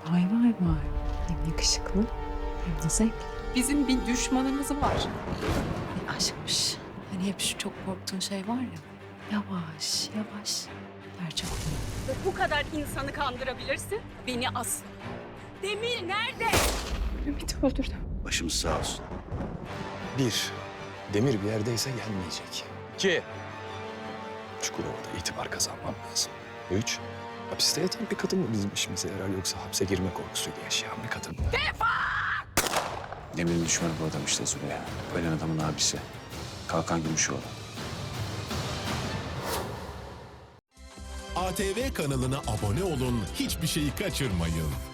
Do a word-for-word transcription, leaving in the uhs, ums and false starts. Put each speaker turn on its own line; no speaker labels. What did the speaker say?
Vay vay vay. Hem yakışıklı hem de zevkli.
Bizim bir düşmanımız var.
Ay aşkmış. Hani hep şu çok korktuğun şey var ya. Yavaş yavaş. Gerçek oluyor.
Bu kadar insanı kandırabilirsin. Beni asla. Demir nerede?
Ümit'i öldürdüm.
Başımız sağ olsun.
Bir, Demir bir yerdeyse gelmeyecek. İki, Çukurova'da itibar kazanmam lazım. Üç, hapiste yatan bir kadın mı bizim işimize yarar yoksa hapse girme korkusuyla yaşayan bir kadın mı?
Demir'in düşmanı bu adam işte Züleyha. Ölen adamın abisi. Kalkan Gümüşoğlu.
A T V kanalına abone olun, hiçbir şeyi kaçırmayın.